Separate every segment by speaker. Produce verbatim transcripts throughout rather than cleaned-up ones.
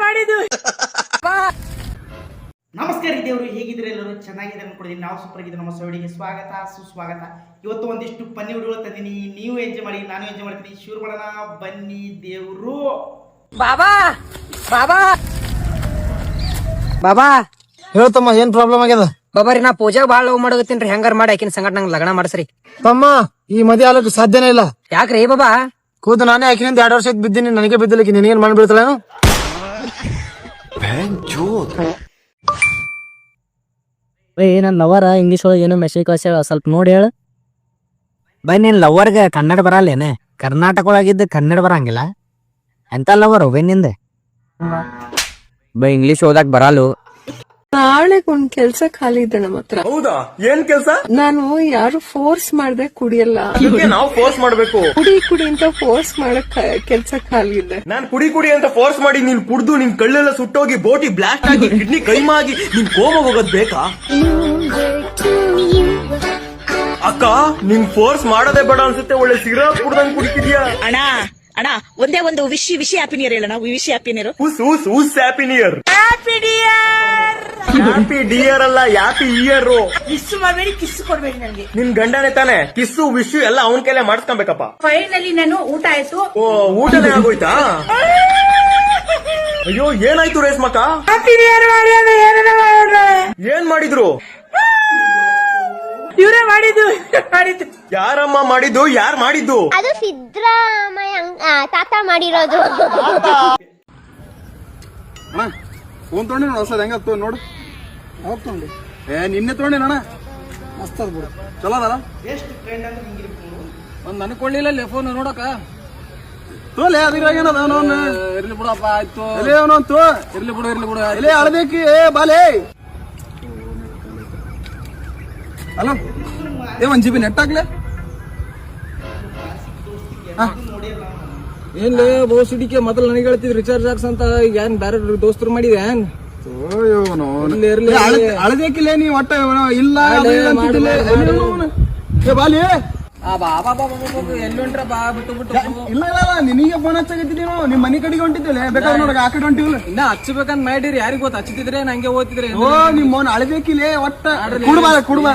Speaker 1: ಮಾಡಿದ್ದು.
Speaker 2: ನಮಸ್ಕಾರ ದೇವರು, ಹೇಗಿದ್ರೆ ಎಲ್ಲರೂ ಚೆನ್ನಾಗಿದ್ದಾರೆ ಅನ್ಕೊಂಡಿದ್ದೀನಿ. ನಾವು ಸೂಪರ್ ಆಗಿದ್ದೀವಿ. ನಮ್ಮ ಸವಿಡಿಗೆ ಸ್ವಾಗತ ಸುಸ್ವಾಗತ. ಇವತ್ತು ಒಂದಿಷ್ಟು ಪನ್ನಿ ವಿಡಿಯೋಗಳು ತಂದೀನಿ. ನೀವು ಎಂಜಾಯ್ ಮಾಡಿ, ನಾನು ಎಂಜಾಯ್ ಮಾಡ್ತೀನಿ. ಶುರು ಮಾಡೋಣ ಬನ್ನಿ ದೇವರು.
Speaker 1: ಬಾಬಾ ಬಾಬಾ ಬಾಬಾ
Speaker 3: ಹೇಳ್ತಮ್ಮ, ಏನ್ ಪ್ರಾಬ್ಲಮ್ ಆಗ್ಯದ?
Speaker 1: ಬಾಬಾರಿ ನಾ ಪೂಜಾಗ ಬಾಳ ಲವ್ ಮಾಡಕತ್ತೀನ್ರಿ. ಹೆಂಗಾರ ಮಾಡಿ ಆಕಿನ ಸಂಗಟ ನಂಗೆ ಲಗ್ನ ಮಾಡ್ಸ್ರಿ.
Speaker 3: ತಮ್ಮ, ಈ ಮದುವೆ ಆಗಕ್ಕೆ ಸಾಧ್ಯನೇ ಇಲ್ಲ.
Speaker 1: ಯಾಕ್ರಿ ಬಾಬಾ?
Speaker 3: ಕೂತು ನಾನೇ ಆಕಿನಿಂದ ಎರಡು ವರ್ಷ ಬಿದ್ದೀನಿ, ನನಗೆ ಬಿದ್ದಿಲ್ಲ. ನಿನಗೇನ್ ಮಾಡ್ಬಿಡ್ತಾಳೇನು?
Speaker 4: ಬೈ ನನ್ನ ಲವರ ಇಂಗ್ಲೀಷ್ ಒಳಗೆ ಏನೋ ಮೆಸೇಜ್ ಕಳ್ಸ್ಯಾಳ, ಸ್ವಲ್ಪ ನೋಡಿ ಹೇಳ. ಬೈ ನಿನ್ ಲವರ್ಗೆ ಕನ್ನಡ ಬರಲ್ಲೇನೆ? ಕರ್ನಾಟಕ ಒಳಗಿದ್ದ ಕನ್ನಡ ಬರಂಗಿಲ್ಲ ಎಂತ ಲವರ್ ಬೈ ನಿಂದ? ಬೈ ಇಂಗ್ಲೀಷ್ ಓದಾಕ್ ಬರಲ್ಲು.
Speaker 5: ನಾಳೆ ಒಂದ್ ಕೆಲ್ಸ ಖಾಲಿ ಇದೆ ನಮ್ಮ ಹತ್ರ.
Speaker 6: ಹೌದಾ? ಏನ್ ಕೆಲ್ಸ?
Speaker 5: ನಾನು ಯಾರು ಫೋರ್ಸ್ ಮಾಡ್ದೆ ಕುಡಿಯಲ್ಲ.
Speaker 6: ನಾವು ಫೋರ್ಸ್ ಮಾಡ್ಬೇಕು?
Speaker 5: ಕುಡಿ ಕುಡಿ ಅಂತ ಫೋರ್ಸ್ ಮಾಡಕ್ ಕೆಲ್ಸ ಖಾಲಿ ಇದೆ.
Speaker 6: ನಾನ್ ಕುಡಿ ಕುಡಿ ಅಂತ ಫೋರ್ಸ್ ಮಾಡಿ ನೀನ್ ಕುಡ್ದು ನಿನ್ ಕಳ್ಳೆಲ್ಲ ಸುಟ್ಟೋಗಿ ಬೋಟಿ ಬ್ಲಾಸ್ಟ್ ಆಗಿ ಕಿಡ್ನಿ ಕೈಮಾ ಆಗಿ ನಿನ್ ಕೋಮ ಹೋಗೋದ್ ಬೇಕಾ? ಅಕ್ಕ, ನಿನ್ ಫೋರ್ಸ್ ಮಾಡೋದೇ ಬೇಡ ಅನ್ಸುತ್ತೆ. ಒಳ್ಳೆ ಸಿಗರೇಟ್ ಕುಡ್ದಂಗ್ ಕುಡಿತಿದ್ಯಾ?
Speaker 7: ಅಣ್ಣ ಅಣ್ಣ ಒಂದೇ ಒಂದು ವಿಶ್ ವಿಶ್ ಹ್ಯಾಪಿ ನಿಯರ್ ಹೇಳೋಣ. Wish happy near.
Speaker 6: ಉಸ್ ಉಸ್ ಉಸ್ happy near.
Speaker 7: Happy near.
Speaker 6: Happy dear ಅಲ್ಲ, ಹ್ಯಾಪಿ ಇಯರ್.
Speaker 7: ಕಿಸ್ ಮಾಡಬೇಡಿ, ಕಿಸ್ ಕೊಡ್ಬೇಡಿ ನನಗೆ.
Speaker 6: ನಿನ್ ಗಂಡನೇ ತಾನೆ? ಕಿಸ್ಸು ವಿಶ್ ಎಲ್ಲ ಅವನ್ ಕೈಲೇ ಮಾಡಿಸ್ಕೊಬೇಕಪ್ಪ.
Speaker 7: ಫೈನಲಿ ನಾನು ಊಟ ಆಯ್ತು.
Speaker 6: ಓ, ಊಟನೇ ಆಗೋಯ್ತಾ? ಅಯ್ಯೋ, ಏನಾಯ್ತು ರೇಷ್ಮಕ್ಕ?
Speaker 7: ಹ್ಯಾಪಿ ನಿಯರ್ ಮಾಡಿ.
Speaker 6: ಏನ್ ಮಾಡಿದ್ರು?
Speaker 7: ಇವರೇ ಮಾಡಿದ್ದು ಮಾಡಿದ್ದು.
Speaker 6: ಯಾರಮ್ಮ ಮಾಡಿದ್ದು? ಯಾರ್ ಮಾಡಿದ್ದು?
Speaker 8: ಅದು ಸಿದ್ದರಾಮಯ್ಯ ತಾತ ಮಾಡಿರೋದು.
Speaker 3: ಫೋನ್ ತೊಗೊಂಡಿ ನೋಡು, ಹೊಸದ ಹೆಂಗ ನೋಡು. ಯಾವಾಗ ತೊಗೊಂಡಿ? ಏ ನಿನ್ನೆ ತೊಗೊಂಡಿ ನೋಣ, ಮಸ್ತ್ ಅದ ಬಿಡು. ಚಲೋ ಅದಲ್ಲ?
Speaker 2: ಬೆಸ್ಟ್ ಫ್ರೆಂಡ್ ಅಂದ್ರೆ ಹಿಂಗಿರ್ಬೇಕು.
Speaker 3: ಒಂದ್ ನನಗ್ ಕೊಳ್ಳಿಲ್ಲ ಫೋನ್ ನೋಡಕ. ತೋಲೆ ಅದ್ರಾಗ ಏನದ ಅವನು? ಇರ್ಲಿ ಬಿಡಪ್ಪ, ಆಯ್ತು. ಎಲ್ಲಿ ಅವನಂತು? ಇರ್ಲಿ ಬಿಡು, ಇರ್ಲಿ ಬಿಡು. ಎಲ್ಲಿ ಅಳಬೇಕಿ? ಏ ಬಾಲೆ ಅಲ್ಲ, ಏ ಒಂದ್ ಜಿಬಿ ನೆಟ್ ಹಾಕ್ಲೆ. ಏನ್ಲೇ ಬೋ ಸಿಡಿಕೆ ಮೊದಲು ನನಗೆ ಹೇಳ್ತಿದ್ ರಿಚಾರ್ಜ್ ಹಾಕ್ಸ್ ಅಂತ. ಈಗ ಏನ್ ಬೇರೆ ದೋಸ್ತರು ಮಾಡಿದೆ ಏನ್? ಅಳದೇಕಿಲ್ಲ ನೀ ಒಟ್ಟ ಇಲ್ಲ. ಬಾಲಿ ಎಲ್ಲಿ ಹೊಂಟ್ರ ಬಾ ಬಿಟ್ಟು ಬಿಟ್ಟು. ಇಲ್ಲ ಇಲ್ಲ ನಿನಗೆ ಫೋನ್ ಹಚ್ಚಾಗತ್ತಿದ್ದೀನೋ, ನಿಮ್ ಮನಿ ಕಡೆಗೆ ಹೊಂಟಿದ್ದಿಲ್ಲ. ಬೇಕಾದ್ರೆ ನೋಡಕ ಆ ಕಡೆ ಹೊಂಟಿವಿಲ್ಲ. ಇನ್ನ ಹಚ್ಚಬೇಕಂತ ಮಾಡಿರಿ, ಯಾರಿಗ ಗೊತ್ತ? ಹಚ್ಚಿದ್ರೆ ನಂಗೆ ಓದ್ತಿದ್ರೆ. ಓ, ನಿಮ್ ಮೋನ್ ಅಳಬೇಕಿಲ್ಲ ಒಟ್ಟ. ಕುಡ್ಬಾ ಕುಡ್ಬಾ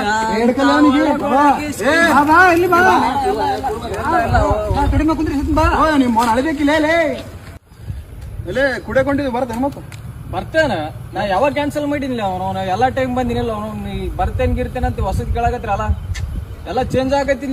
Speaker 3: ಕಡಿಮೆ ಕುಂದ್ರಿ ಬಾ. ನಿಮ್ ಮೋನ್ ಅಳಬೇಕಿಲ್ಲ ಎಲೆ ಕುಡಿಯಕೊಂಡಿದ್ವಿ. ಬರ್ತೇನೆ ಮತ್ತ ಬರ್ತೇನ? ನಾ ಯಾವಾಗ ಕ್ಯಾನ್ಸಲ್ ಮಾಡಿನಿಲ್ಲ. ಅವನು ಎಲ್ಲಾ ಟೈಮ್ ಬಂದಿನಿಲ್ಲ. ಅವನು ಬರ್ತೇನ್ ಗಿರ್ತೇನೆ ಅಂತ ಹೊಸದ್ ಕೇಳಾಕತ್ರ ಅಲ್ಲ. ಎಲ್ಲ ಚೇಂಜ್ ಆಗತ್ತಿಲ್ಲ.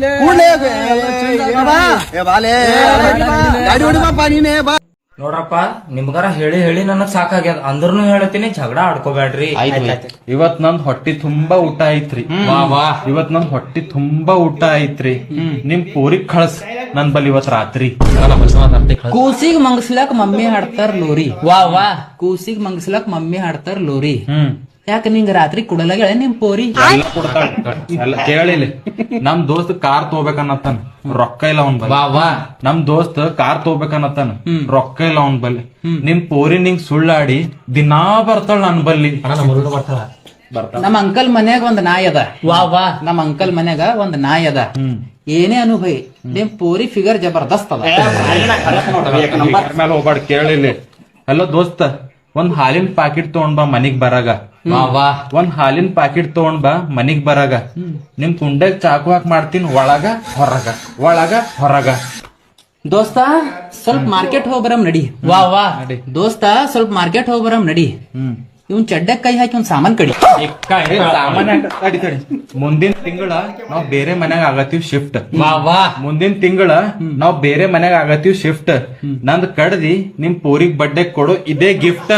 Speaker 9: ನೋಡ್ರಪ್ಪ, ನಿಮ್ಗಾರ ಹೇಳಿ ಹೇಳಿ ನನಗ್ ಸಾಕಾಗ್ಯದ. ಅಂದ್ರೂ ಹೇಳ್ತೀನಿ, ಜಗಳ ಆಡ್ಕೋಬೇಡ್ರಿ.
Speaker 10: ಇವತ್ ನಂದ್ ಹೊಟ್ಟಿ ತುಂಬಾ ಊಟ ಐತ್ರಿ. ವಾ ವಾ ಇವತ್ ನಂದ್ ಹೊಟ್ಟಿ ತುಂಬಾ ಊಟ ಐತ್ರಿ. ನಿಮ್ ಪೂರಿಗ್ ಕಳ್ಸ್ ನನ್ ಬಲ್ ಇವತ್ ರಾತ್ರಿ.
Speaker 9: ಕೂಸಿಗ್ ಮಂಗಸ್ಲಾಕ್ ಮಮ್ಮಿ ಹಾಡ್ತಾರ ಲೋರಿ. ವಾ ವಾ ಕೂಸಿಗ್ ಮಂಗಸ್ಲಾಕ್ ಮಮ್ಮಿ ಹಾಡ್ತಾರ ಲೋರಿ. ಹ್ಮ್ ಯಾಕ ನಿಂಗ ರಾತ್ರಿ ಕುಡಲಾಗ ನಿಮ್ ಪೋರಿ
Speaker 10: ಎಲ್ಲ ಕೇಳಿಲಿ. ನಮ್ ದೋಸ್ತ್ ಕಾರ್ ತಗೋಬೇಕನ್ನತ್ತಾನ, ರೊಕ್ಕ ಇಲ್ಲ ಅವನ್ ಬಲ್ಲಿ.
Speaker 9: ವಾ
Speaker 10: ನಮ್ ದೋಸ್ತ್ ಕಾರ್ ತಗೋಬೇಕನ್ನತ್ತಾನ, ರೊಕ್ಕ ಇಲ್ಲ ಅವನ್ ಬಲ್ಲಿ. ನಿಮ್ ಪೋರಿ ನಿಂಗ್ ಸುಳ್ಳಾಡಿ ದಿನಾ ಬರ್ತಾಳ ನನ್ ಬಲ್ಲಿ.
Speaker 9: ಬರ್ತಾಳ. ನಮ್ ಅಂಕಲ್ ಮನ್ಯಾಗ ಒಂದ್ ನಾಯಿ ಅದ. ವಾ ವಾ ನಮ್ ಅಂಕಲ್ ಮನ್ಯಾಗ ಒಂದ್ ನಾಯಿ ಅದ. ಏನೇ ಅನುಭವಿ, ನಿಮ್ ಪೋರಿ ಫಿಗರ್ ಜಬರ್ದಸ್ತ್ ಅದ.
Speaker 10: ಮೇಲೆ ಹೋಗ್ಬಾರ್ದು, ಕೇಳಿಲಿ. ಹಲೋ ದೋಸ್ತ, ಒಂದ್ ಹಾಲಿನ ಪ್ಯಾಕೆಟ್ ತಗೊಂಡ್ ಬಾ ಮನಿಗ್ ಬರಾಗ. ಒಂದ್ ಹಾಲಿನ ಪ್ಯಾಕೆಟ್ ತಗೊಂಡ್ ಬಾ ಮನಿಗ್ ಬರಾಗ. ನಿಮ್ ಕುಂಡೆಗ್ ಚಾಕು ಹಾಕಿ ಮಾಡ್ತೀನಿ, ಒಳಗ ಹೊರಗ ಒಳಗ ಹೊರಗ.
Speaker 9: ದೋಸ್ತ ಸ್ವಲ್ಪ ಮಾರ್ಕೆಟ್ ಹೋಗ್ಬರಮ್ ನಡಿ. ವಾ ವಾ ದೋಸ್ತ ಸ್ವಲ್ಪ ಮಾರ್ಕೆಟ್ ಹೋಗ್ಬರಮ್ ನಡಿ. ಇವ್ನ್ ಚಡ್ಡಕ್ ಕೈ ಹಾಕಿ ಒಂದ್ ಸಾಮಾನ್ ಕಡಿ.
Speaker 10: ಸಾಮಾನ್ಯ ಮುಂದಿನ ತಿಂಗಳ ನಾವ್ ಬೇರೆ ಮನ್ಯಾಗ ಆಗತ್ತೀವ್ ಶಿಫ್ಟ್.
Speaker 9: ವಾ ವಾ
Speaker 10: ಮುಂದಿನ ತಿಂಗಳ ನಾವ್ ಬೇರೆ ಮನ್ಯಾಗ ಆಗತ್ತೀವ್ ಶಿಫ್ಟ್. ನಂದ್ ಕಡ್ದಿ ನಿಮ್ ಪೋರಿಗ್ ಬಡ್ಡೆ ಕೊಡು, ಇದೇ ಗಿಫ್ಟ್.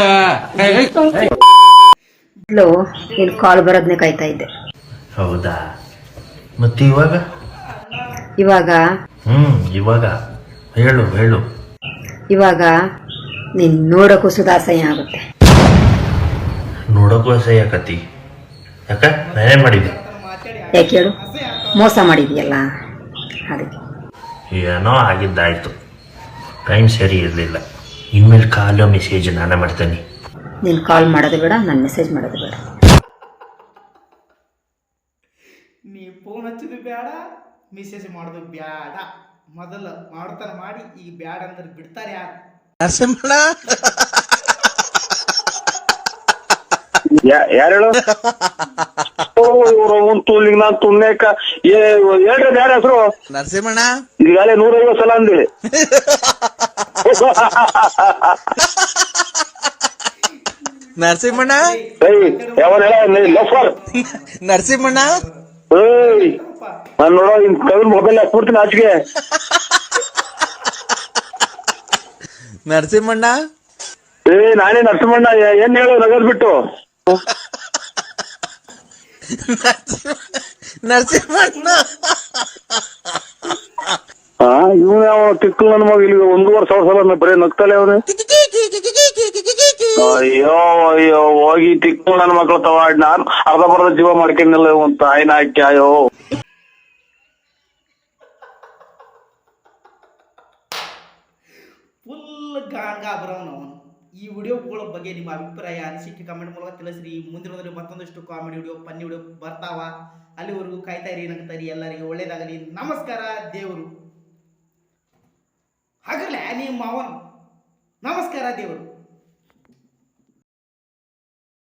Speaker 8: ನೀನ್ ಕಾಲ್ ಬರೋದ್ನೇ ಕಾಯ್ತಾ ಇದ್ದೆ.
Speaker 11: ಹೌದಾ? ಮತ್ತೆ ಇವಾಗ?
Speaker 8: ಇವಾಗ
Speaker 11: ಹ್ಮ್ ಇವಾಗ ಹೇಳು ಹೇಳು.
Speaker 8: ಇವಾಗ ನೀನ್ ನೋಡಕ್ಕೂ ಸುಧಾಸಯ ಆಗುತ್ತೆ.
Speaker 11: ನೋಡಕ್ಕೂ ಅಸಹ್ಯ ಆಕತಿ. ಯಾಕ? ನಾನೇ ಮಾಡಿದ್ದೆ.
Speaker 8: ಯಾಕೆ ಹೇಳು? ಮೋಸ ಮಾಡಿದ್ಯಲ್ಲ ಅದಕ್ಕೆ.
Speaker 11: ಏನೋ ಆಗಿದ್ದಾಯ್ತು, ಟೈಮ್ ಸರಿ ಇರಲಿಲ್ಲ. ಇನ್ಮೇಲೆ ಕಾಲೋ ಮೆಸೇಜ್ ನಾನೇ ಮಾಡ್ತೇನೆ.
Speaker 8: ನೀನ್ ಕಾಲ್ ಮಾಡೋದು ಬೇಡ, ನಾನು ಮೆಸೇಜ್ ಮಾಡೋದು ಬೇಡ.
Speaker 2: ನೀ ಫೋನ್ ಹಚ್ಚೋದು ಬೇಡ, ಮೆಸೇಜ್ ಮಾಡೋದು ಬೇಡ. ಮೊದಲು ಮಾಡ್ತಾರ ಮಾಡಿ, ಈಗ ಬ್ಯಾಡ ಅಂದ್ರೆ ಬಿಡ್ತಾರೆ ಯಾರು?
Speaker 12: ಯಾರು ಹೇಳು ತೂಲಿಗೆ ನಾನ್ ತುಣ್ಣೇಕ ಹೇಳ್ರಿ ಯಾರ ಹೆಸರು
Speaker 6: ನರಸಿಂಹಣ್ಣ
Speaker 12: ಈಗಾಗಲೇ ನೂರೈವತ್ತು ಸಲ ಅಂದೇಳಿ
Speaker 6: ನರಸಿಂಹಣ್ಣ
Speaker 12: ಯಾವನ್ ಹೇಳ ಲಫರ್
Speaker 6: ನರಸಿಂಹಣ್ಣ
Speaker 12: ಏಯ್ ನಾನ್ ನೋಡೋ ಇನ್ ಕವಿನ ಮೊಬೈಲ್ ಹಾಕ್ಬಿಡ್ತೀನಿ ಆಚೆಗೆ.
Speaker 6: ನರಸಿಂಹಣ್ಣ
Speaker 12: ಏ ನಾನೇ ನರಸಿಂಹಣ್ಣ ಏನ್ ಹೇಳು ನಗದ್ ಬಿಟ್ಟು
Speaker 6: ನರಸಿಂಹಣ್ಣ
Speaker 12: ಹಾ ಇವನು ಯಾವ ತಿಕ್ಕು ನನ್ನ ಮಗ ಇಲ್ಲಿ ಒಂದೂವರೆ ಸಾವಿರ ಸಲ ಬರೀ ನಗ್ತಾಳೆ ಅವನು. ಅಯ್ಯೋ ಅಯ್ಯೋ ಹೋಗಿ ತಿಕ್ಕು ನನ್ನ ಮಕ್ಳು ತವಾಡ್ ನಾನು ಅರ್ಧ ಬರ್ಧ ಜೀವ ಮಾಡ್ಕೊಂಡಿಲ್ಲ ಒಂದು ತಾಯಿನ ಹಾಕಿ ಅಯ್ಯೋ.
Speaker 2: ಫುಲ್ ಗಾಂಗಾ ಬರೋನು ಅವನು. ಈ ವಿಡಿಯೋಗಳ ಬಗ್ಗೆ ನಿಮ್ಮ ಅಭಿಪ್ರಾಯ ಅನಿಸಿಕೆ ಕಮೆಂಟ್ ಮೂಲಕ ತಿಳಿಸ್ರಿ. ಮುಂದಿನೋದ್ರೆ ಮತ್ತೊಂದಷ್ಟು ಕಾಮಿಡಿ ವಿಡಿಯೋ ಫನ್ನಿ ವಿಡಿಯೋ ಬರ್ತಾವ. ಅಲ್ಲಿವರೆಗೂ ಕಾಯ್ತಾ ಇರಿ, ನಗ್ತಾರಿ. ಎಲ್ಲರಿಗೂ ಒಳ್ಳೇದಾಗಲಿ. ನಮಸ್ಕಾರ. ದೇವರು ಹಾಗಲ್ಲ ನಿಮ್ಮ ಮಾವನ್. ನಮಸ್ಕಾರ ದೇವರು.